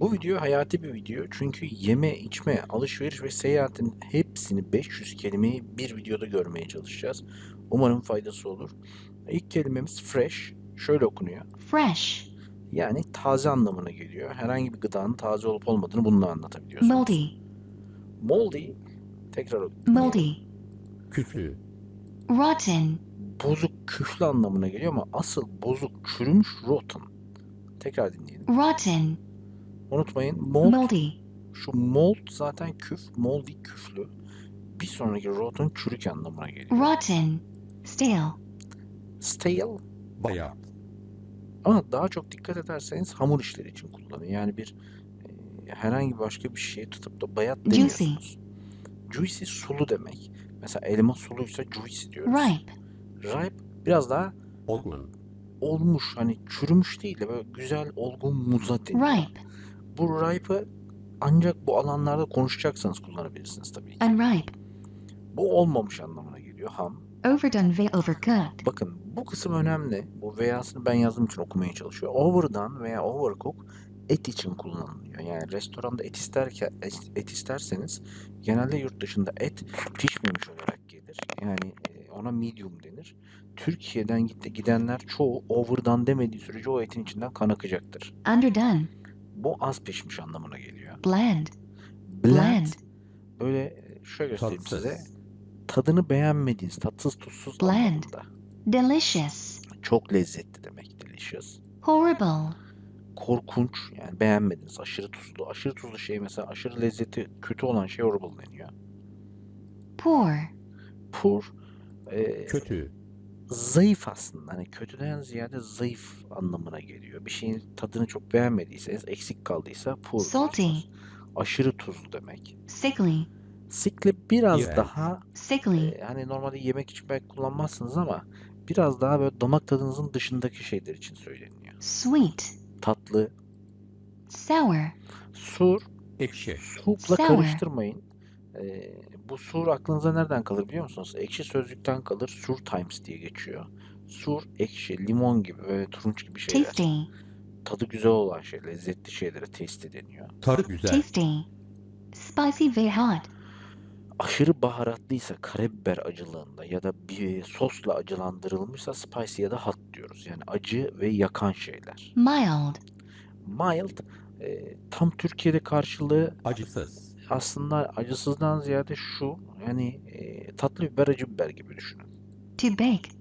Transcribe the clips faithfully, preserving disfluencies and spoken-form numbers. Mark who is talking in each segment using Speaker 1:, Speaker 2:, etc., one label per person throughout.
Speaker 1: Bu video hayati bir video çünkü yeme, içme, alışveriş ve seyahatin hepsini beş yüz kelimeyi bir videoda görmeye çalışacağız. Umarım faydası olur. İlk kelimemiz fresh. Şöyle okunuyor.
Speaker 2: Fresh.
Speaker 1: Yani taze anlamına geliyor. Herhangi bir gıdanın taze olup olmadığını bununla anlatabiliyorsunuz.
Speaker 2: Moldy.
Speaker 1: Moldy, tekrar
Speaker 2: Moldy.
Speaker 1: dinleyelim.
Speaker 3: Küflü,
Speaker 2: Rotten.
Speaker 1: Bozuk, küflü anlamına geliyor ama asıl bozuk, çürümüş, rotten. Tekrar dinleyelim.
Speaker 2: Rotten.
Speaker 1: Unutmayın, mold,
Speaker 2: Moldy.
Speaker 1: şu mold zaten küf, moldy küflü. Bir sonraki rotten çürük anlamına geliyor.
Speaker 2: Rotten. Stale.
Speaker 1: Stale,
Speaker 3: bayat,
Speaker 1: ama daha çok dikkat ederseniz hamur işleri için kullanıyor. Yani bir e, herhangi başka bir şeye tutup da bayat
Speaker 2: Juicy.
Speaker 1: demiyorsunuz. Juicy sulu demek. Mesela elma suluysa juicy diyoruz.
Speaker 2: Ripe.
Speaker 1: Ripe biraz daha
Speaker 3: olgun,
Speaker 1: olmuş, hani çürümüş değil de böyle güzel olgun muza deniyor.
Speaker 2: Ripe.
Speaker 1: Bu ripe'ı ancak bu alanlarda konuşacaksanız kullanabilirsiniz tabii ki.
Speaker 2: Unripe.
Speaker 1: Bu olmamış anlamına geliyor, ham.
Speaker 2: Overdone ve overcooked.
Speaker 1: Bakın bu kısım önemli. Bu veya'sını ben yazdığım için okumaya çalışıyor. Overdone veya overcook et için kullanılıyor. Yani restoranda et isterken et isterseniz genelde yurt dışında et pişmemiş olarak gelir. Yani e, ona medium denir. Türkiye'den gitti gidenler çoğu overdone demediği sürece o etin içinden kan akacaktır.
Speaker 2: Underdone.
Speaker 1: Bu az pişmiş anlamına geliyor.
Speaker 2: Bland.
Speaker 1: Bland,
Speaker 2: Bland.
Speaker 1: öyle e, şöyle göstereyim size.
Speaker 3: tatsız,
Speaker 1: Tadını beğenmediğiniz, tatsız tuzsuz
Speaker 2: Bland.
Speaker 1: anlamında.
Speaker 2: Delicious.
Speaker 1: Çok lezzetli demek delicious.
Speaker 2: Horrible.
Speaker 1: Korkunç, yani beğenmediniz, aşırı tuzlu. Aşırı tuzlu şey, mesela aşırı lezzeti kötü olan şey horrible deniyor.
Speaker 2: Poor.
Speaker 1: Poor, e,
Speaker 3: kötü,
Speaker 1: zayıf aslında. Hani kötüden ziyade zayıf anlamına geliyor. Bir şeyin tadını çok beğenmediyseniz, eksik kaldıysa poor
Speaker 2: Salty.
Speaker 1: diyorsunuz. Aşırı tuzlu demek.
Speaker 2: Sickly.
Speaker 1: Sickly biraz
Speaker 3: İğrenç.
Speaker 1: daha
Speaker 2: Sickly.
Speaker 1: e, hani normalde yemek için belki kullanmazsınız ama biraz daha böyle damak tadınızın dışındaki şeyler için söyleniyor.
Speaker 2: Sweet.
Speaker 1: Tatlı,
Speaker 2: Sour.
Speaker 1: sur,
Speaker 3: ekşi,
Speaker 1: soup'la
Speaker 2: Sour.
Speaker 1: karıştırmayın. Ee, bu sur aklınıza nereden kalır biliyor musunuz? Ekşi Sözlük'ten kalır. Sur Times diye geçiyor. Sur, ekşi, limon gibi böyle turunç gibi şeyler.
Speaker 2: Tasty.
Speaker 1: Tadı güzel olan şey, lezzetli şeylere tasty deniyor.
Speaker 3: tadı güzel,
Speaker 2: Tasty. Spicy ve hot.
Speaker 1: Aşırı baharatlıysa, karabiber acılığında ya da bir sosla acılandırılmışsa spicy ya da hot diyoruz. Yani acı ve yakan şeyler.
Speaker 2: Mild.
Speaker 1: Mild, e, tam Türkiye'de karşılığı
Speaker 3: acısız,
Speaker 1: aslında acısızdan ziyade şu, yani e, tatlı biber, acı biber gibi düşünün.
Speaker 2: To bake.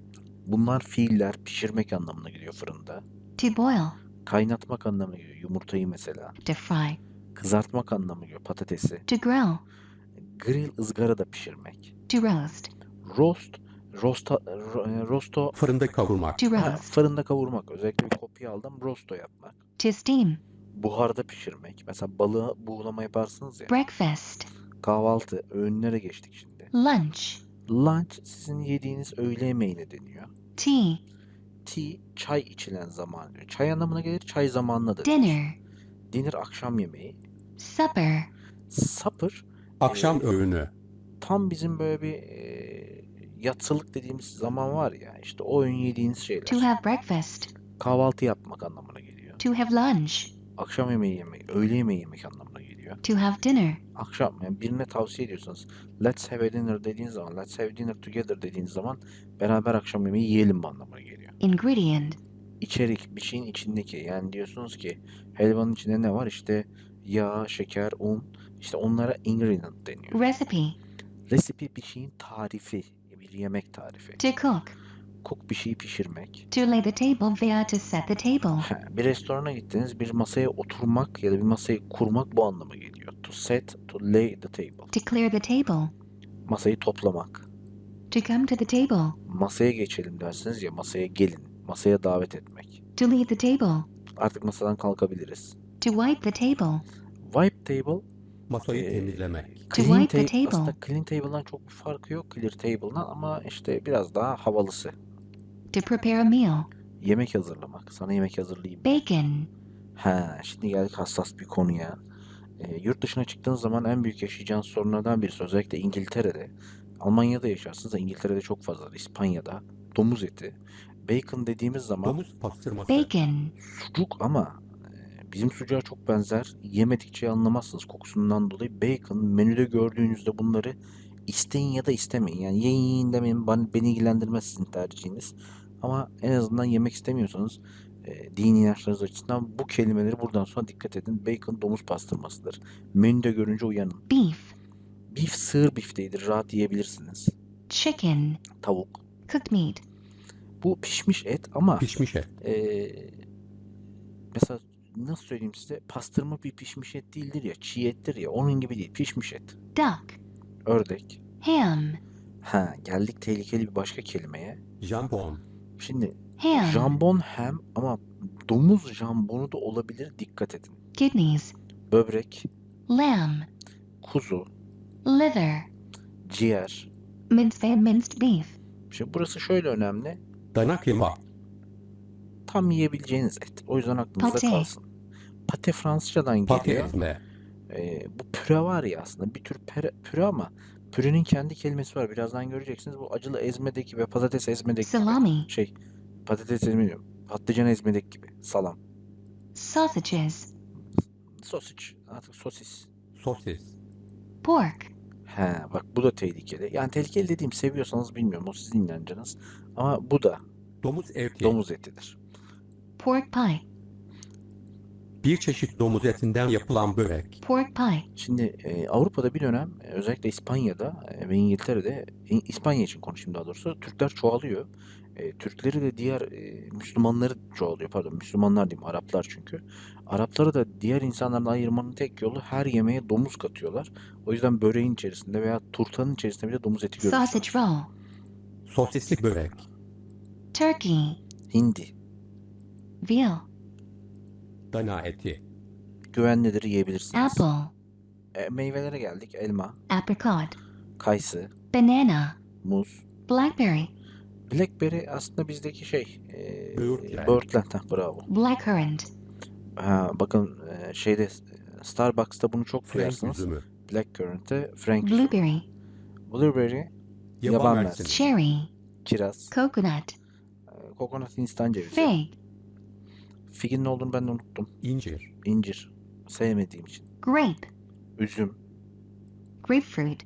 Speaker 1: Bunlar fiiller pişirmek anlamına geliyor fırında.
Speaker 2: To boil.
Speaker 1: Kaynatmak anlamına geliyor yumurtayı mesela.
Speaker 2: To fry.
Speaker 1: Kızartmak anlamına geliyor patatesi.
Speaker 2: To grill.
Speaker 1: Grill, ızgarada pişirmek.
Speaker 2: To roast.
Speaker 1: Roast, rosta, ro- rosto,
Speaker 2: To
Speaker 3: fırında kavurmak,
Speaker 1: ha,
Speaker 2: roast.
Speaker 1: fırında kavurmak. Özellikle bir kopya aldım, rosto yapmak.
Speaker 2: To steam.
Speaker 1: Buharda pişirmek. Mesela balığı buğulama yaparsınız ya.
Speaker 2: Breakfast.
Speaker 1: Kahvaltı, öğünlere geçtik şimdi.
Speaker 2: Lunch.
Speaker 1: Lunch sizin yediğiniz öğle yemeğine deniyor.
Speaker 2: Tea.
Speaker 1: Tea, çay içilen zaman. Çay anlamına gelir, çay zamanına da denir.
Speaker 2: Dinner.
Speaker 1: Dinner, akşam yemeği.
Speaker 2: Supper.
Speaker 1: Supper,
Speaker 3: akşam
Speaker 1: e,
Speaker 3: öğünü,
Speaker 1: tam bizim böyle bir e, yatsılık dediğimiz zaman var ya, işte o öğün yediğiniz
Speaker 2: To
Speaker 1: şeyler.
Speaker 2: have breakfast.
Speaker 1: Kahvaltı yapmak anlamına geliyor.
Speaker 2: To have lunch.
Speaker 1: Akşam yemeği yemek, öğle yemeği yemek anlamına geliyor.
Speaker 2: To have dinner.
Speaker 1: Akşam, yani birine tavsiye ediyorsanız let's have a dinner dediğiniz zaman, let's have dinner together dediğiniz zaman beraber akşam yemeği yiyelim anlamına geliyor.
Speaker 2: Ingredient.
Speaker 1: İçerik, bir şeyin içindeki, yani diyorsunuz ki helvanın içinde ne var? İşte yağ, şeker, un, işte onlara ingredient deniyor.
Speaker 2: Recipe.
Speaker 1: Recipe, bir şeyin tarifi, bir yemek tarifi.
Speaker 2: To cook.
Speaker 1: Cook, bir şeyi pişirmek.
Speaker 2: To lay the table veya to set the table.
Speaker 1: Ha, bir restorana gittiniz, bir masaya oturmak ya da bir masayı kurmak bu anlama geliyor. To set, to lay the table.
Speaker 2: To clear the table.
Speaker 1: Masayı toplamak.
Speaker 2: To come to the table.
Speaker 1: Masaya geçelim dersiniz ya, masaya gelin. Masaya davet etmek.
Speaker 2: To leave the table.
Speaker 1: Artık masadan kalkabiliriz.
Speaker 2: To wipe the table.
Speaker 1: Wipe table,
Speaker 3: masayı
Speaker 1: Ee,
Speaker 3: temizlemek,
Speaker 2: To
Speaker 1: clean
Speaker 2: wipe the
Speaker 1: table.
Speaker 2: table.
Speaker 1: Aslında clean table'dan çok bir farkı yok clear table'dan ama işte biraz daha havalısı.
Speaker 2: To prepare a meal.
Speaker 1: Yemek hazırlamak. Sana yemek hazırlayayım.
Speaker 2: Bacon.
Speaker 1: Ha, şimdi geldik hassas bir konuya. E, yurt dışına çıktığınız zaman en büyük yaşayacağınız sorunlardan birisi, özellikle İngiltere'de. Almanya'da yaşarsınız da İngiltere'de çok fazla. İspanya'da domuz eti. Bacon dediğimiz zaman
Speaker 3: domuz pastırması,
Speaker 2: Bacon.
Speaker 1: sucuk ama e, bizim sucuğa çok benzer. Yemedikçe anlamazsınız kokusundan dolayı. Bacon menüde gördüğünüzde bunları isteyin ya da istemeyin. Yani yiyin yiyin demeyin. Ben, beni ilgilendirmez sizin tercihiniz. Ama en azından yemek istemiyorsanız e, dini inançlarınız açısından bu kelimeleri buradan sonra dikkat edin. Bacon domuz pastırmasıdır. Menüde görünce uyanın.
Speaker 2: Beef.
Speaker 1: Beef sığır bifteğidir. Rahat yiyebilirsiniz.
Speaker 2: Chicken.
Speaker 1: Tavuk.
Speaker 2: Cooked meat.
Speaker 1: Bu pişmiş et ama
Speaker 3: Pişmiş et.
Speaker 1: e, mesela nasıl söyleyeyim size, pastırma bir pişmiş et değildir ya, çiğ ettir ya, onun gibi değil, pişmiş et.
Speaker 2: Duck.
Speaker 1: Ördek.
Speaker 2: Ham.
Speaker 1: Ha, geldik tehlikeli bir başka kelimeye.
Speaker 3: Jambon.
Speaker 1: Şimdi
Speaker 2: Ham.
Speaker 1: jambon hem ama domuz jambonu da olabilir, dikkat edin.
Speaker 2: Kidneys.
Speaker 1: Böbrek,
Speaker 2: Lamb.
Speaker 1: kuzu,
Speaker 2: Liver.
Speaker 1: ciğer.
Speaker 2: Minced and minced beef.
Speaker 1: Şimdi burası şöyle önemli.
Speaker 3: Dana kıyma.
Speaker 1: Tam yiyebileceğiniz et. O yüzden aklınızda
Speaker 2: Pate.
Speaker 1: kalsın. Pate Fransızcadan
Speaker 3: Pate
Speaker 1: geliyor.
Speaker 3: ezme.
Speaker 1: Ee, bu püre var ya, aslında bir tür püre, püre ama pürenin kendi kelimesi var. Birazdan göreceksiniz. Bu acılı ezmedeki ve patates ezmedeki gibi.
Speaker 2: Salami.
Speaker 1: Şey, patates ezme diyorum. Patlıcan ezmedeki gibi. Salam.
Speaker 2: Sausages.
Speaker 1: Sosiç. Artık sosis.
Speaker 3: Sosis.
Speaker 2: Pork.
Speaker 1: He, bak bu da tehlikeli. Yani tehlikeli dediğim, seviyorsanız bilmiyorum. O sizin inancınız. Ama bu da
Speaker 3: Domuz eti.
Speaker 1: domuz etidir.
Speaker 2: Pork pie.
Speaker 3: Bir çeşit domuz etinden yapılan börek.
Speaker 2: Pork pie.
Speaker 1: Şimdi e, Avrupa'da bir dönem, e, özellikle İspanya'da e, ve İngiltere'de, İ- İspanya için konuşayım daha doğrusu, Türkler çoğalıyor. E, Türkleri de diğer e, Müslümanları çoğalıyor. Pardon, Müslümanlar diyeyim, Araplar çünkü. Arapları da diğer insanlardan ayırmanın tek yolu, her yemeğe domuz katıyorlar. O yüzden böreğin içerisinde veya turtanın içerisinde bile domuz eti
Speaker 2: Sausage
Speaker 1: görürsünüz.
Speaker 2: roll.
Speaker 3: Sosisli börek.
Speaker 2: Turkey.
Speaker 1: Hindi.
Speaker 2: Veal.
Speaker 3: Dana eti.
Speaker 1: Güvenlidir, yiyebilirsiniz.
Speaker 2: Apple.
Speaker 1: E, meyvelere geldik. Elma,
Speaker 2: Apricot.
Speaker 1: kayısı,
Speaker 2: Banana.
Speaker 1: muz.
Speaker 2: Blackberry.
Speaker 1: Blackberry aslında bizdeki şey, e,
Speaker 3: Böğürtlen.
Speaker 1: böğürtlen. Heh, bravo.
Speaker 2: Blackcurrant.
Speaker 1: Ha, bakın e, şeyde, Starbucks'ta bunu çok
Speaker 3: Frank
Speaker 1: duyarsınız.
Speaker 3: üzümü.
Speaker 1: Blackcurrant'te Frank üzümü.
Speaker 2: Blueberry.
Speaker 1: Blueberry,
Speaker 3: Yaban
Speaker 1: yaban
Speaker 3: mersini.
Speaker 1: mersini.
Speaker 2: Cherry.
Speaker 1: Kiraz,
Speaker 2: Coconut.
Speaker 1: e, kokonat, hindistan cevizi.
Speaker 2: Fig.
Speaker 1: Figin ne olduğunu ben de unuttum.
Speaker 3: İncir.
Speaker 1: İncir. Sevmediğim için.
Speaker 2: Grape.
Speaker 1: Üzüm,
Speaker 2: Grapefruit.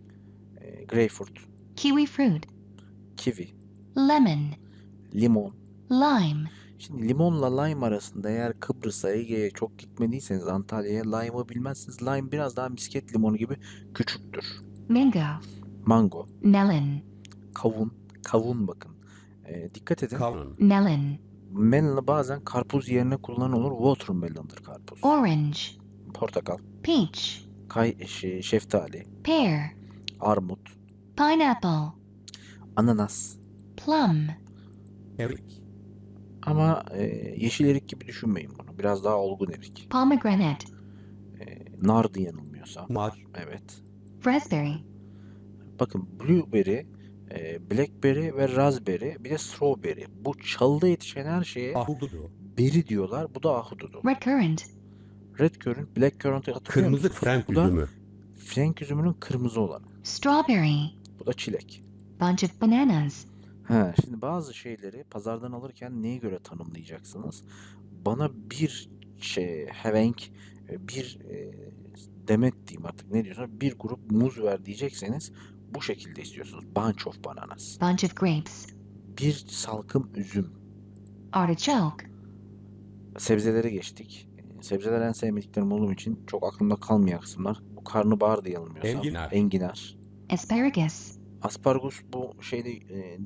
Speaker 1: e, greyfurt,
Speaker 2: Kiwi fruit.
Speaker 1: kivi,
Speaker 2: Lemon.
Speaker 1: limon.
Speaker 2: Lime.
Speaker 1: Şimdi limonla lime arasında, eğer Kıbrıs'a, Ege'ye çok gitmediyseniz, Antalya'ya, lime'ı bilmezsiniz. Lime biraz daha misket limonu gibi küçüktür.
Speaker 2: Mango.
Speaker 1: Mango,
Speaker 2: Melon.
Speaker 1: kavun, kavun bakın. E, dikkat edin.
Speaker 3: Kavun.
Speaker 2: Melon.
Speaker 1: Melon'ı bazen karpuz yerine kullanılır. Watermelon'dır karpuz.
Speaker 2: Orange.
Speaker 1: Portakal,
Speaker 2: Peach.
Speaker 1: kay, şey, şeftali,
Speaker 2: Pear.
Speaker 1: armut,
Speaker 2: Pineapple.
Speaker 1: ananas.
Speaker 2: Plum.
Speaker 3: Erik.
Speaker 1: Ama e, yeşil erik gibi düşünmeyin bunu. Biraz daha olgun erik.
Speaker 2: Pomegranate.
Speaker 1: E, nardı yanılmıyorsam.
Speaker 3: Nar.
Speaker 1: Evet.
Speaker 2: Raspberry.
Speaker 1: Bakın, blueberry, e, blackberry ve raspberry, bir de strawberry. Bu çalıda yetişen her şeye
Speaker 3: Ahududu.
Speaker 1: berry diyorlar. Bu da ahududu.
Speaker 2: Red currant.
Speaker 1: Red currant, black currant'ı hatırlıyor
Speaker 3: Kırmızı
Speaker 1: musunuz?
Speaker 3: Frank
Speaker 1: Bu da
Speaker 3: üzümü.
Speaker 1: Frank üzümünün kırmızı olanı.
Speaker 2: Strawberry.
Speaker 1: Bu da çilek.
Speaker 2: Bunch of bananas.
Speaker 1: Ha, şimdi bazı şeyleri pazardan alırken neye göre tanımlayacaksınız? Bana bir şey, hevenk, bir e, demet diyeyim artık, ne diyorsunuz? Bir grup muz ver diyecekseniz bu şekilde istiyorsunuz. Bunch of bananas.
Speaker 2: Bunch of grapes.
Speaker 1: Bir salkım üzüm.
Speaker 2: Artichoke.
Speaker 1: Sebzelere geçtik. E, Sebzeler en sevmediklerim olduğum için çok aklımda kalmayan kısımlar. Bu karnabahardı yanılmıyorsam.
Speaker 3: Enginar.
Speaker 1: Enginar.
Speaker 2: Asparagus.
Speaker 1: Aspargus bu şeyde, e, e,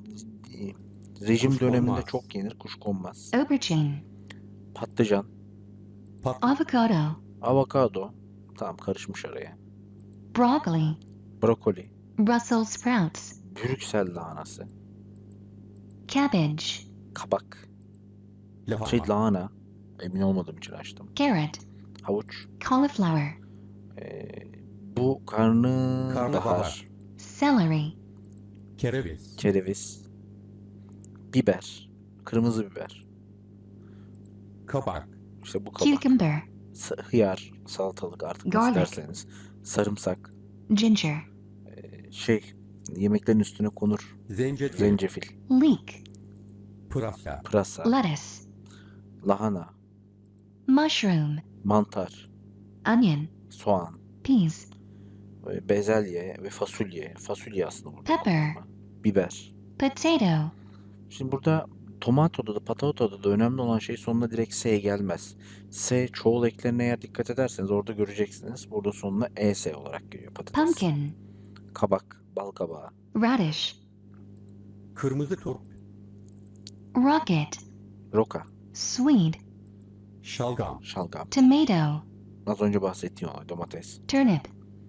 Speaker 1: rejim
Speaker 3: Kuşkonmaz.
Speaker 1: döneminde çok yenir. Kuşkonmaz.
Speaker 2: Aubergine.
Speaker 1: Patlıcan.
Speaker 3: Pat.
Speaker 2: Avocado.
Speaker 1: Avokado. Tamam, karışmış araya.
Speaker 2: Broccoli.
Speaker 1: Brokoli.
Speaker 2: Brussels sprouts.
Speaker 1: Brüksel lahanası.
Speaker 2: Cabbage.
Speaker 1: Kabak.
Speaker 3: Lahana.
Speaker 1: Şey, lahana. Emin olmadığım için açtım.
Speaker 2: Carrot.
Speaker 1: Havuç.
Speaker 2: Cauliflower.
Speaker 1: Ee, bu karnı
Speaker 3: Karnabahar.
Speaker 1: bahar.
Speaker 2: Celery.
Speaker 3: Kereviz.
Speaker 1: Kereviz. Biber. Kırmızı biber.
Speaker 3: Kabak.
Speaker 1: İşte bu kabak.
Speaker 2: Cucumber.
Speaker 1: Sa- hıyar. Salatalık, artık nasıl
Speaker 2: Garlic.
Speaker 1: derseniz. Sarımsak.
Speaker 2: Ginger.
Speaker 1: Ee, şey, yemeklerin üstüne konur.
Speaker 3: Zencefil.
Speaker 1: Zencefil.
Speaker 2: Leek.
Speaker 3: Pırasa.
Speaker 1: Pırasa.
Speaker 2: Lettuce.
Speaker 1: Lahana.
Speaker 2: mushroom,
Speaker 1: mantar,
Speaker 2: onion,
Speaker 1: soğan,
Speaker 2: peas,
Speaker 1: e, bezelye ve fasulye. Fasulye aslında burada
Speaker 2: Pepper.
Speaker 1: kullanma. Biber.
Speaker 2: potato,
Speaker 1: Şimdi burada tomatoda da patatoda da önemli olan şey sonuna direkt S gelmez. S çoğul eklerine eğer dikkat ederseniz orada göreceksiniz. Burada sonuna E S olarak geliyor patates.
Speaker 2: pumpkin,
Speaker 1: Kabak, bal kabağı,
Speaker 2: radish,
Speaker 3: Kırmızı turp,
Speaker 2: rocket,
Speaker 1: roka,
Speaker 2: swede,
Speaker 3: şalgam,
Speaker 1: şalgam.
Speaker 2: tomato,
Speaker 1: Az önce bahsettiğim olay domates,
Speaker 2: turnip,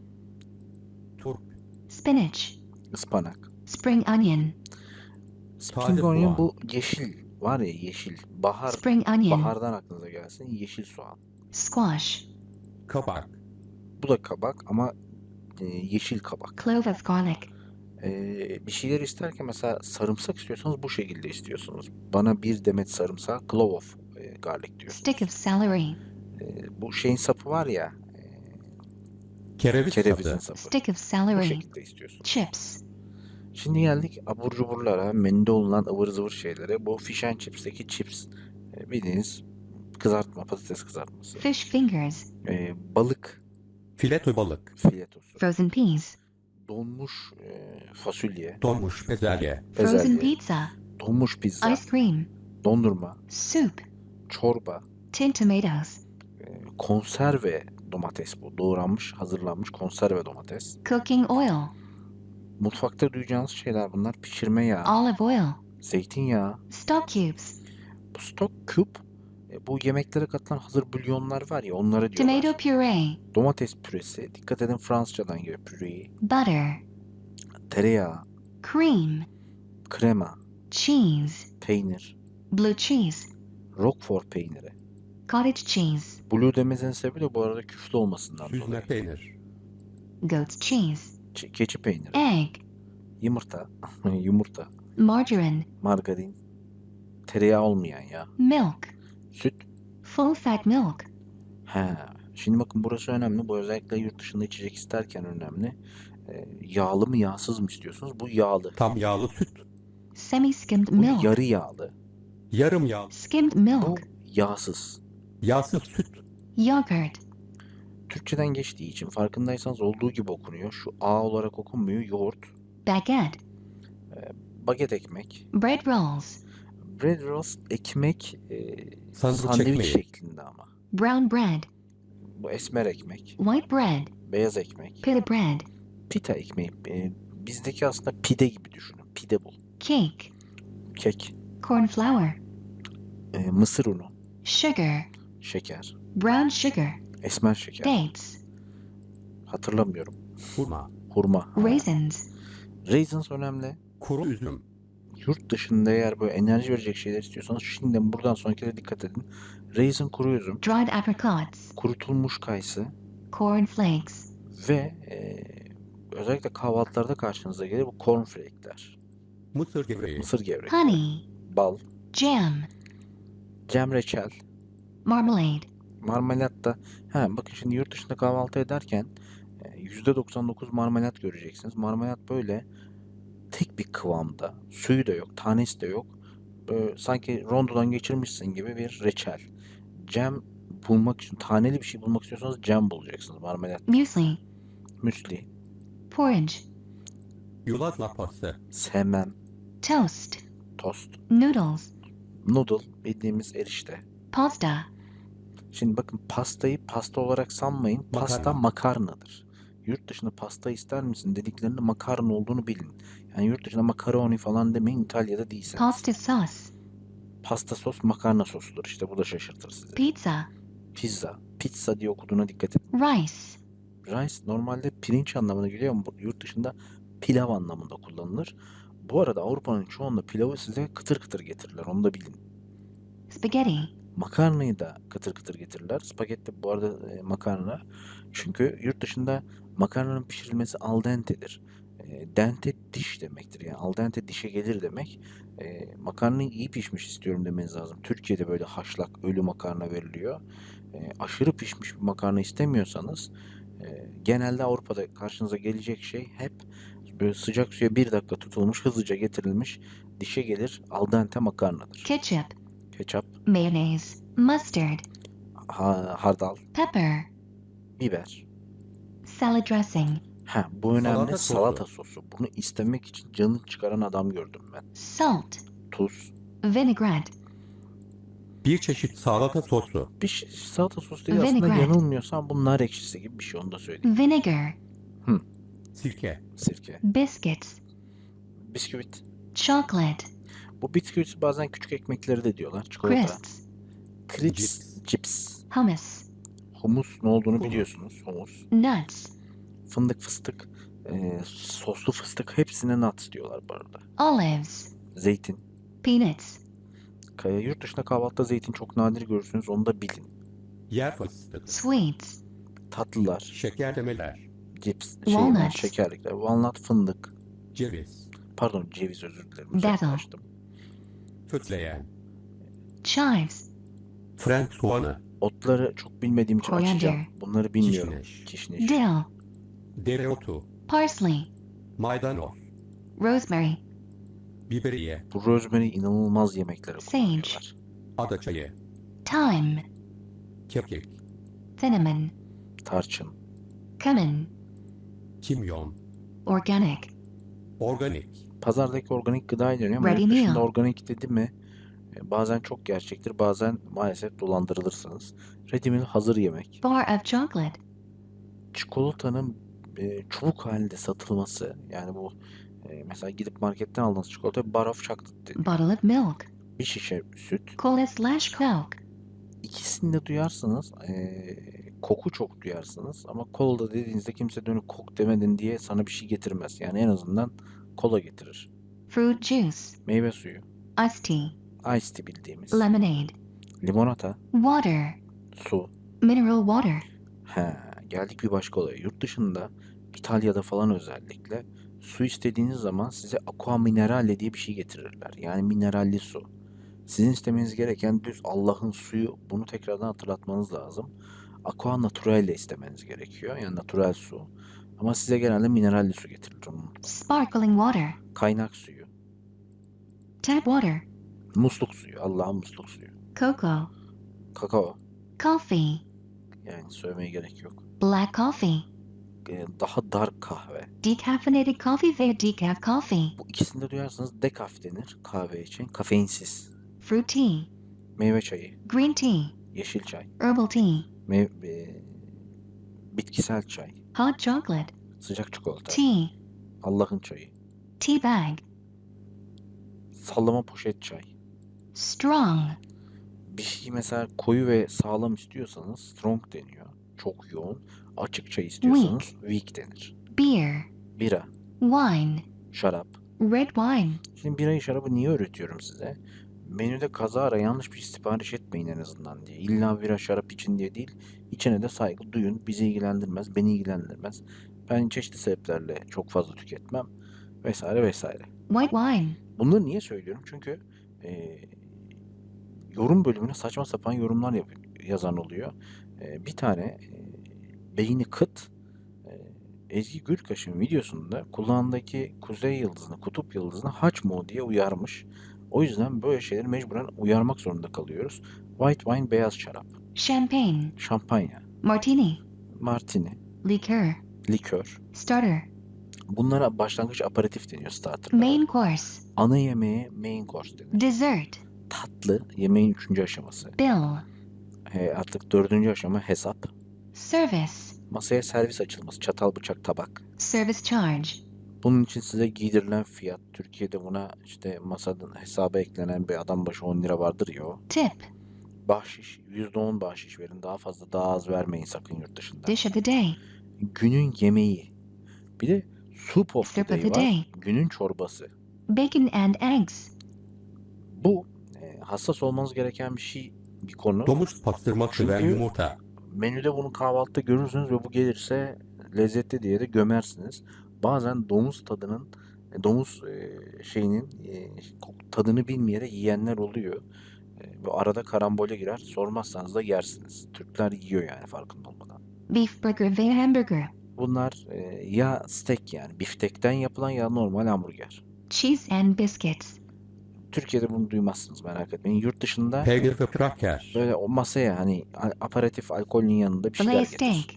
Speaker 3: turp,
Speaker 2: spinach,
Speaker 1: ıspanak.
Speaker 2: spring onion,
Speaker 1: Spring
Speaker 3: Taze
Speaker 1: onion
Speaker 3: soğan.
Speaker 1: bu yeşil var ya yeşil. Bahar,
Speaker 2: spring onion,
Speaker 1: bahardan aklınıza gelsin yeşil soğan.
Speaker 2: squash,
Speaker 3: kabak,
Speaker 1: Bu da kabak ama e, yeşil kabak.
Speaker 2: clove of garlic,
Speaker 1: E, bir şeyler isterken mesela sarımsak istiyorsanız bu şekilde istiyorsunuz. Bana bir demet sarımsak clove of e, garlic diyorsunuz.
Speaker 2: stick of celery,
Speaker 1: E, bu şeyin sapı var ya e,
Speaker 3: kereviz
Speaker 1: kerevizin
Speaker 3: sapı,
Speaker 1: sapı.
Speaker 2: stick of
Speaker 1: Bu
Speaker 2: celery,
Speaker 1: şekilde istiyorsunuz.
Speaker 2: chips,
Speaker 1: Şimdi geldik abur cuburlara, menüde olunan ıvır zıvır şeylere. Bu fish and chips'teki chips e, bildiğiniz kızartma, patates kızartması.
Speaker 2: fish fingers,
Speaker 1: E, balık
Speaker 3: fileto balık,
Speaker 1: filetosu,
Speaker 2: frozen peas,
Speaker 1: donmuş e, fasulye,
Speaker 3: donmuş bezelye,
Speaker 2: frozen
Speaker 1: bezelye,
Speaker 2: pizza,
Speaker 1: donmuş pizza,
Speaker 2: ice cream,
Speaker 1: dondurma,
Speaker 2: soup,
Speaker 1: çorba,
Speaker 2: tin tomatoes,
Speaker 1: e, konserve domates bu. Doğranmış, hazırlanmış konserve domates.
Speaker 2: cooking oil,
Speaker 1: Mutfakta duyacağınız şeyler bunlar. Pişirme yağı,
Speaker 2: olive oil,
Speaker 1: zeytinyağı,
Speaker 2: stock cubes,
Speaker 1: bu stock cube. E, bu yemeklere katılan hazır bulyonlar var ya onlara diyorlar.
Speaker 2: tomato puree,
Speaker 1: Domates püresi. Dikkat edin Fransızcadan geliyor püreyi.
Speaker 2: butter,
Speaker 1: Tereyağı,
Speaker 2: cream,
Speaker 1: krema,
Speaker 2: cheese,
Speaker 1: peynir,
Speaker 2: blue cheese,
Speaker 1: Roquefort peyniri.
Speaker 2: cottage cheese,
Speaker 1: Blue dememizin sebebi de bu arada küflü olmasından
Speaker 3: süzme
Speaker 1: dolayı.
Speaker 3: peynir,
Speaker 2: goat's cheese,
Speaker 1: Ç- keçi peyniri,
Speaker 2: egg,
Speaker 1: yumurta, yumurta,
Speaker 2: margarine,
Speaker 1: margarin, tereyağı olmayan ya,
Speaker 2: milk,
Speaker 1: süt.
Speaker 2: full fat milk,
Speaker 1: He. Şimdi bakın burası önemli. Bu özellikle yurt dışında içecek isterken önemli. E, yağlı mı yağsız mı istiyorsunuz? Bu yağlı.
Speaker 3: tam yağlı süt,
Speaker 2: semi-skimmed
Speaker 1: Bu
Speaker 2: milk,
Speaker 1: yarı yağlı.
Speaker 3: yarım yağlı,
Speaker 2: skimmed
Speaker 1: Bu
Speaker 2: milk,
Speaker 1: yağsız.
Speaker 3: yağsız süt,
Speaker 2: yogurt,
Speaker 1: Türkçeden geçtiği için farkındaysanız olduğu gibi okunuyor. Şu A olarak okunmuyor. Yoğurt,
Speaker 2: baguette,
Speaker 1: baget ekmek,
Speaker 2: bread rolls,
Speaker 1: bread rolls ekmek e,
Speaker 3: Sandviç
Speaker 1: sandviç
Speaker 3: ekmeği.
Speaker 1: şeklinde ama.
Speaker 2: brown bread,
Speaker 1: Bu esmer ekmek,
Speaker 2: white bread,
Speaker 1: beyaz ekmek,
Speaker 2: pita bread,
Speaker 1: pita ekmeği. E, bizdeki aslında pide gibi düşünün. Pide bu.
Speaker 2: cake,
Speaker 1: Kek,
Speaker 2: corn flour,
Speaker 1: e, mısır unu,
Speaker 2: sugar,
Speaker 1: şeker,
Speaker 2: brown sugar,
Speaker 1: esmer şeker.
Speaker 2: dates,
Speaker 1: Hatırlamıyorum.
Speaker 3: hurma,
Speaker 1: Hurma.
Speaker 2: raisins,
Speaker 1: Raisins önemli.
Speaker 3: kuru üzüm,
Speaker 1: Yurt dışında eğer böyle enerji verecek şeyler istiyorsanız şimdiden buradan sonrakilere dikkat edin. Raisin kuru üzüm,
Speaker 2: dried apricots,
Speaker 1: kurutulmuş kayısı
Speaker 2: corn flakes,
Speaker 1: ve e, özellikle kahvaltılarda karşınıza gelir bu cornflake'ler.
Speaker 3: mısır gevreği,
Speaker 1: Mısır gevreği,
Speaker 2: honey,
Speaker 1: bal,
Speaker 2: jam,
Speaker 1: cem reçel,
Speaker 2: marmalade,
Speaker 1: marmelat da. Ha, bakın şimdi yurt dışında kahvaltı ederken e, yüzde doksan dokuz marmelat göreceksiniz. Marmelat böyle tek bir kıvamda. Suyu da yok, tanesi de yok. Böyle sanki rondodan geçirmişsin gibi bir reçel. Cem bulmak için, taneli bir şey bulmak istiyorsanız cem bulacaksınız. Marmelat,
Speaker 2: muesli,
Speaker 1: müsli,
Speaker 2: porridge,
Speaker 3: yulaf lapası,
Speaker 1: semem,
Speaker 2: toast,
Speaker 1: tost,
Speaker 2: noodles,
Speaker 1: noodle bildiğimiz erişte.
Speaker 2: pasta,
Speaker 1: Şimdi bakın pastayı pasta olarak sanmayın. Pasta
Speaker 3: Makarna.
Speaker 1: makarnadır. Yurt dışında pasta ister misin dediklerinde makarna olduğunu bilin. Yani yurt dışında makaroni falan demeyin İtalya'da değilseniz.
Speaker 2: pasta sauce,
Speaker 1: Pasta sos makarna sosudur işte bu da şaşırtır sizi.
Speaker 2: pizza,
Speaker 1: Pizza. Pizza diye okuduğuna dikkat edin.
Speaker 2: rice,
Speaker 1: Rice normalde pirinç anlamına geliyor ama bu- yurt dışında pilav anlamında kullanılır. Bu arada Avrupa'nın çoğunda pilavı size kıtır kıtır getirirler onu da bilin.
Speaker 2: spaghetti,
Speaker 1: Makarnayı da kıtır kıtır getirirler. Spagetti bu arada e, makarna. Çünkü yurt dışında makarnanın pişirilmesi al dente'dir. E, dente diş demektir. Yani al dente dişe gelir demek. E, makarnayı iyi pişmiş istiyorum demeniz lazım. Türkiye'de böyle haşlak ölü makarna veriliyor. E, aşırı pişmiş bir makarna istemiyorsanız e, genelde Avrupa'da karşınıza gelecek şey hep böyle sıcak suya bir dakika tutulmuş, hızlıca getirilmiş dişe gelir al dente makarnadır.
Speaker 2: ketchup,
Speaker 1: Ketçap,
Speaker 2: mayonnaise, mustard,
Speaker 1: ha- hardal,
Speaker 2: Pepper.
Speaker 1: biber.
Speaker 2: Salad dressing.
Speaker 1: Ha, bu önemli.
Speaker 3: Salata sosu.
Speaker 1: Salata sosu. Bunu istemek için canını çıkaran adam gördüm ben.
Speaker 2: Salt.
Speaker 1: Tuz.
Speaker 2: Vinaigrette.
Speaker 3: Bir çeşit salata sosu.
Speaker 1: Bir şey, salata sosu değil aslında,
Speaker 2: Vinaigrette.
Speaker 1: yanılmıyorsam bu nar ekşisi gibi bir şey, onu da söyleyeyim.
Speaker 2: Vinegar.
Speaker 3: Sirke.
Speaker 1: Sirke.
Speaker 2: Biscuits.
Speaker 1: Bisküvit.
Speaker 2: Chocolate.
Speaker 1: Bu bisküvit bazen küçük ekmekleri de diyorlar. Çikolata.
Speaker 2: Crisps.
Speaker 1: Crisps.
Speaker 3: Cips.
Speaker 1: Cips.
Speaker 2: Hummus.
Speaker 1: Humus ne olduğunu
Speaker 3: Humus.
Speaker 1: biliyorsunuz. Humus.
Speaker 2: Nuts.
Speaker 1: Fındık, fıstık, e, soslu fıstık, hepsine nuts diyorlar bu arada.
Speaker 2: Olives.
Speaker 1: Zeytin.
Speaker 2: Peanuts.
Speaker 1: Kaya, yurt dışında kahvaltıda zeytin çok nadir görürsünüz, onu da bilin.
Speaker 3: Yer fıstığı.
Speaker 2: Sweets.
Speaker 1: Tatlılar,
Speaker 3: Şekerlemeler.
Speaker 1: cips, şeyler,
Speaker 2: Walnuts.
Speaker 1: şekerlikler, walnut, fındık,
Speaker 3: Ceviz.
Speaker 1: pardon ceviz, özür dilerim,
Speaker 2: Basil.
Speaker 1: uzaklaştım.
Speaker 3: Fötleyen.
Speaker 2: Chives.
Speaker 3: Frank soğanı.
Speaker 1: Otları çok bilmediğim için
Speaker 2: Coriander.
Speaker 1: açacağım. Bunları bilmiyorum.
Speaker 3: Kişniş.
Speaker 1: Kişniş.
Speaker 2: Dill.
Speaker 3: Dereotu.
Speaker 2: Parsley.
Speaker 3: Maydanoz.
Speaker 2: Rosemary.
Speaker 3: Biberiye.
Speaker 1: Bu rosemary inanılmaz yemeklere
Speaker 2: Sage.
Speaker 1: kullanıyorlar.
Speaker 3: Adaçayı.
Speaker 2: Thyme.
Speaker 3: Kekik.
Speaker 2: Cinnamon.
Speaker 1: Tarçın.
Speaker 2: Cumin.
Speaker 3: Kimyon.
Speaker 2: Organic.
Speaker 3: Organik.
Speaker 1: Pazardaki organik gıda deniyor ama
Speaker 2: Ready
Speaker 1: yurt dışında
Speaker 2: meal.
Speaker 1: organik dedi mi e, bazen çok gerçektir, bazen maalesef dolandırılırsınız. Ready meal, hazır yemek.
Speaker 2: Bar of chocolate.
Speaker 1: Çikolatanın e, çubuk halinde satılması, yani bu e, mesela gidip marketten aldığınız çikolata bar of chocolate deniyor.
Speaker 2: Bottle of milk.
Speaker 1: Bir şişe süt.
Speaker 2: Cola slash Coke.
Speaker 1: İkisini de duyarsınız. e, koku çok duyarsınız ama kola dediğinizde kimse dönüp kok demedin diye sana bir şey getirmez. Yani en azından kola getirir.
Speaker 2: Fruit juice.
Speaker 1: Meyve suyu.
Speaker 2: Iced tea.
Speaker 1: Iced tea bildiğimiz.
Speaker 2: Lemonade.
Speaker 1: Limonata.
Speaker 2: Water.
Speaker 1: Su.
Speaker 2: Mineral water.
Speaker 1: He, geldik bir başka olaya. Yurt dışında, İtalya'da falan özellikle su istediğiniz zaman size aqua minerale diye bir şey getirirler. Yani mineralli su. Sizin istemeniz gereken düz Allah'ın suyu. Bunu tekrardan hatırlatmanız lazım. Aqua naturale istemeniz gerekiyor. Yani natural su. Ama size genelde mineralli su getirilir. Onu unutmayın.
Speaker 2: Sparkling water.
Speaker 1: Kaynak suyu.
Speaker 2: Tap water.
Speaker 1: Musluk suyu. Allah'ın musluk suyu.
Speaker 2: Cocoa.
Speaker 1: Kakao.
Speaker 2: Coffee.
Speaker 1: Yani söylemeye gerek yok.
Speaker 2: Black coffee.
Speaker 1: Ee, Daha dark kahve.
Speaker 2: Decaffeinated coffee veya decaf coffee.
Speaker 1: Bu ikisini de duyarsanız dekaf denir kahve için. Kafeinsiz.
Speaker 2: Fruit tea.
Speaker 1: Meyve çayı.
Speaker 2: Green tea.
Speaker 1: Yeşil çay.
Speaker 2: Herbal tea.
Speaker 1: Mev- e, bitkisel çay.
Speaker 2: Hot chocolate.
Speaker 1: Sıcak çikolata.
Speaker 2: Tea.
Speaker 1: Allah'ın çayı.
Speaker 2: Tea bag.
Speaker 1: Sallama poşet çay.
Speaker 2: Strong.
Speaker 1: Bir şey mesela koyu ve sağlam istiyorsanız strong deniyor. Çok yoğun. Açık çay istiyorsanız weak denir.
Speaker 2: Beer.
Speaker 1: Bira.
Speaker 2: Wine.
Speaker 1: Şarap.
Speaker 2: Red wine.
Speaker 1: Şimdi birayı, şarabı niye öğretiyorum size? Menüde kazara yanlış bir şey sipariş etmeyin en azından diye. İlla bira şarap için diye değil. İçine de saygı duyun. Bizi ilgilendirmez, beni ilgilendirmez. Ben çeşitli sebeplerle çok fazla tüketmem. Vesaire vesaire.
Speaker 2: White wine.
Speaker 1: Bunları niye söylüyorum? Çünkü e, yorum bölümüne saçma sapan yorumlar yap yazan oluyor. E, bir tane e, beyni kıt e, Ezgi Gürkaş'ın videosunda kulağındaki kuzey yıldızını, kutup yıldızını haç mı o diye uyarmış. O yüzden böyle şeyleri mecburen uyarmak zorunda kalıyoruz. White wine, beyaz şarap.
Speaker 2: Champagne.
Speaker 1: Şampanya.
Speaker 2: Martini.
Speaker 1: Martini.
Speaker 2: Liqueur.
Speaker 1: Likör.
Speaker 2: Starter.
Speaker 1: Bunlara başlangıç aperatif deniyor, starterlara.
Speaker 2: Main course.
Speaker 1: Ana yemeğe main course denir.
Speaker 2: Dessert.
Speaker 1: Tatlı yemeğin üçüncü aşaması.
Speaker 2: Bill.
Speaker 1: He, artık dördüncü aşama hesap.
Speaker 2: Service.
Speaker 1: Masaya servis açılması, çatal, bıçak, tabak.
Speaker 2: Service charge.
Speaker 1: Bunun için size giydirilen fiyat, Türkiye'de buna işte masadan hesaba eklenen bir adam başı on lira vardır ya o.
Speaker 2: Tip.
Speaker 1: Bahşiş, yüzde on bahşiş verin. Daha fazla, daha az vermeyin sakın yurt dışında.
Speaker 2: Dish of the day.
Speaker 1: Günün yemeği. Bir de soup of the
Speaker 2: Soup of
Speaker 1: day
Speaker 2: the
Speaker 1: var.
Speaker 2: day.
Speaker 1: Günün çorbası.
Speaker 2: Bacon and eggs.
Speaker 1: Bu e, hassas olmanız gereken bir şey, bir konu.
Speaker 3: Domuz pastırması ve
Speaker 1: Çünkü-
Speaker 3: yumurta.
Speaker 1: Menüde bunu kahvaltıda görürsünüz ve bu gelirse lezzetli diye de gömersiniz. Bazen domuz tadının, e, domuz e, şeyinin e, tadını bilmeyerek yiyenler oluyor. E, Ve arada karambole girer. Sormazsanız da yersiniz. Türkler yiyor yani farkında olmadan.
Speaker 2: Beef burger veya hamburger.
Speaker 1: Bunlar e, ya steak, yani biftekten yapılan, ya normal hamburger.
Speaker 2: Cheese and biscuits.
Speaker 1: Türkiye'de bunu duymazsınız, merak etmeyin. Yurt dışında
Speaker 3: Peynir ve kraker.
Speaker 1: böyle o masaya hani a- aperatif alkolün yanında bir
Speaker 2: Fillet
Speaker 1: şeyler
Speaker 2: steak.
Speaker 1: getirir.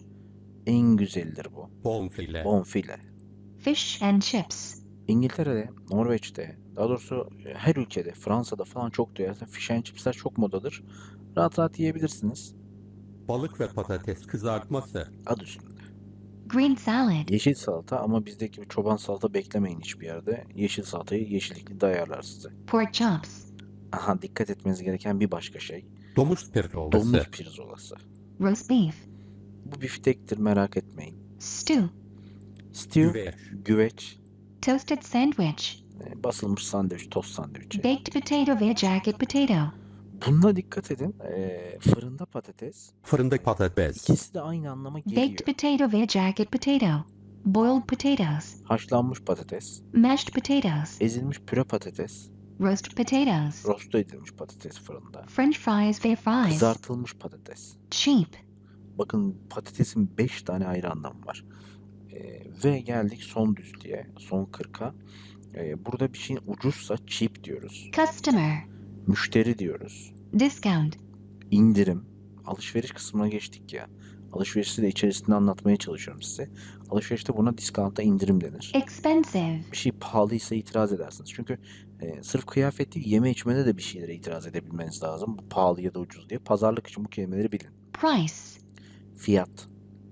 Speaker 1: En güzelidir bu.
Speaker 3: Bonfile.
Speaker 1: Bonfile.
Speaker 2: Fish and chips.
Speaker 1: İngiltere'de, Norveç'te, daha doğrusu her ülkede, Fransa'da falan çok duyarsın. Fish and chips'ler çok modadır. Rahat rahat yiyebilirsiniz.
Speaker 3: Balık ve patates kızartması.
Speaker 1: Adı üstünde.
Speaker 2: Green salad.
Speaker 1: Yeşil salata, ama bizdeki bir çoban salata beklemeyin hiçbir yerde. Yeşil salatayı yeşillikli dayarlar size.
Speaker 2: Pork chops.
Speaker 1: Aha, dikkat etmeniz gereken bir başka şey.
Speaker 3: Domuz pirzolası.
Speaker 1: Domuz pirzolası.
Speaker 2: Roast beef.
Speaker 1: Bu biftektir, merak etmeyin.
Speaker 2: Stew.
Speaker 1: Stew,
Speaker 3: Güveç.
Speaker 1: güveç,
Speaker 2: Toasted sandwich.
Speaker 1: e, basılmış sandviç, tost sandviçi.
Speaker 2: Baked potato via jacket potato.
Speaker 1: Bununla dikkat edin. E, fırında patates.
Speaker 3: Fırında patates.
Speaker 1: İkisi de aynı anlama geliyor.
Speaker 2: Baked potato via jacket potato. Boiled potatoes.
Speaker 1: Haşlanmış patates,
Speaker 2: Mashed potatoes.
Speaker 1: ezilmiş püre patates,
Speaker 2: Roast potatoes.
Speaker 1: rosto edilmiş patates fırında,
Speaker 2: French fries via fries.
Speaker 1: kızartılmış patates.
Speaker 2: Cheap.
Speaker 1: Bakın, patatesin beş tane ayrı anlamı var. E, ve geldik son düzlüğe, son kırka. E, burada bir şeyin ucuzsa cheap diyoruz.
Speaker 2: Customer.
Speaker 1: Müşteri diyoruz.
Speaker 2: Discount.
Speaker 1: İndirim. Alışveriş kısmına geçtik ya. Alışverişi de içerisinde anlatmaya çalışıyorum size. Alışverişte buna discount'a indirim denir.
Speaker 2: Expensive.
Speaker 1: Bir şey pahalıysa itiraz edersiniz. Çünkü e, sırf kıyafet değil, yeme içmede de bir şeylere itiraz edebilmeniz lazım. Bu pahalı ya da ucuz diye. Pazarlık için bu kelimeleri bilin.
Speaker 2: Price.
Speaker 1: Fiyat,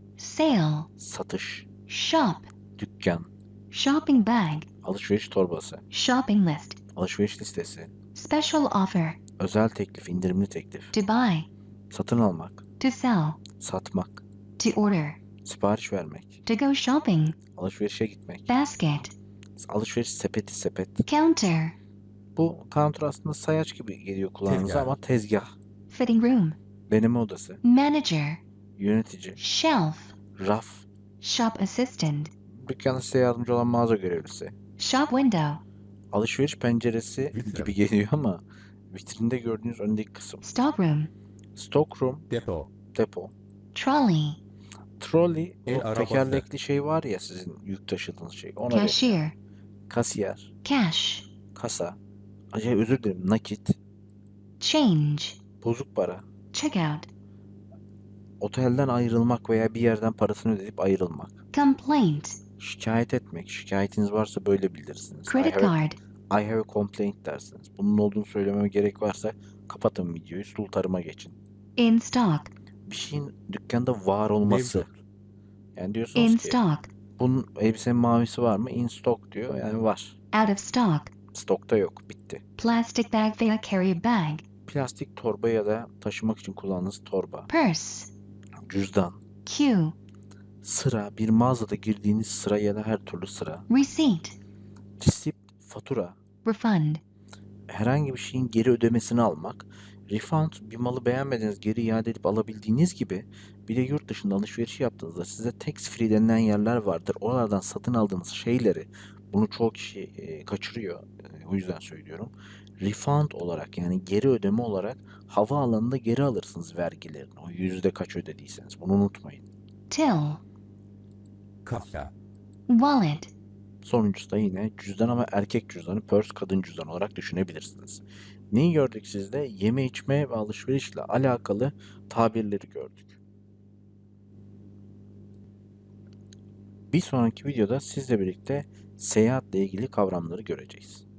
Speaker 2: Sale.
Speaker 1: satış,
Speaker 2: Shop.
Speaker 1: dükkan,
Speaker 2: Shopping bag.
Speaker 1: alışveriş torbası,
Speaker 2: Shopping list.
Speaker 1: alışveriş listesi,
Speaker 2: Special offer.
Speaker 1: özel teklif, indirimli teklif,
Speaker 2: To buy.
Speaker 1: satın almak,
Speaker 2: To sell.
Speaker 1: satmak,
Speaker 2: To order.
Speaker 1: sipariş vermek,
Speaker 2: To go shopping.
Speaker 1: alışverişe gitmek,
Speaker 2: Basket.
Speaker 1: alışveriş sepeti, sepet.
Speaker 2: Counter.
Speaker 1: Bu counter aslında sayaç gibi geliyor kulağınıza
Speaker 3: Tezgah.
Speaker 1: ama tezgah,
Speaker 2: Fitting room.
Speaker 1: deneme odası,
Speaker 2: Manager.
Speaker 1: yönetici,
Speaker 2: Shelf.
Speaker 1: raf,
Speaker 2: Shop assistant.
Speaker 1: dükkanda size yardımcı olan mağaza görevlisi,
Speaker 2: Shop window.
Speaker 1: alışveriş penceresi
Speaker 3: Vitrin.
Speaker 1: gibi geliyor ama vitrinde gördüğünüz öndeki kısım.
Speaker 2: Stock room.
Speaker 1: Stock room,
Speaker 3: Depo.
Speaker 1: depo.
Speaker 2: Trolley.
Speaker 1: Trolley,
Speaker 3: El
Speaker 1: o
Speaker 3: arabası.
Speaker 1: tekerlekli şey var ya, sizin yük taşıdığınız şey. Ona deniyor.
Speaker 2: Cashier.
Speaker 1: Kasiyer,
Speaker 2: Cash.
Speaker 1: kasa, acayip özür dilerim, nakit,
Speaker 2: Change.
Speaker 1: bozuk para,
Speaker 2: Checkout.
Speaker 1: otelden ayrılmak veya bir yerden parasını ödeyip ayrılmak,
Speaker 2: Complaint.
Speaker 1: şikayet etmek, şikayetiniz varsa böyle bildirirsiniz. I
Speaker 2: Credit
Speaker 1: have, a,
Speaker 2: card.
Speaker 1: I have a complaint dersiniz. Bunun olduğunu söylememe gerek varsa kapatın videoyu, sul tarıma geçin.
Speaker 2: In stock.
Speaker 1: Bir şeyin dükkanda var olması.
Speaker 3: Mevcut.
Speaker 1: Yani diyorsunuz
Speaker 2: In
Speaker 1: ki
Speaker 2: stock.
Speaker 1: bunun elbisenin mavisi var mı? In stock diyor. Yani var.
Speaker 2: Out of stock.
Speaker 1: Stokta yok. Bitti.
Speaker 2: Plastic bag via carry bag.
Speaker 1: Plastik torba ya da taşımak için kullandığınız torba.
Speaker 2: Purse.
Speaker 1: Cüzdan.
Speaker 2: Queue.
Speaker 1: Sıra. Bir mağazada girdiğiniz sıra ya da her türlü sıra.
Speaker 2: Receipt.
Speaker 1: Resipt, fatura.
Speaker 2: Refund.
Speaker 1: Herhangi bir şeyin geri ödemesini almak. Refund, bir malı beğenmediniz geri iade edip alabildiğiniz gibi, bir de yurt dışında alışveriş yaptığınızda size tax free denilen yerler vardır. Oralardan satın aldığınız şeyleri, bunu çoğu kişi e, kaçırıyor. E, o yüzden söylüyorum. Refund olarak, yani geri ödeme olarak havaalanında geri alırsınız vergilerini. O yüzde kaç ödediyseniz. Bunu unutmayın.
Speaker 2: Till.
Speaker 3: Kasa.
Speaker 2: Wallet.
Speaker 1: Sonuncusu da yine cüzdan, ama erkek cüzdanı, purse kadın cüzdanı olarak düşünebilirsiniz. Neyi gördük sizde? Yeme içme ve alışverişle alakalı tabirleri gördük. Bir sonraki videoda sizle birlikte seyahatle ilgili kavramları göreceğiz.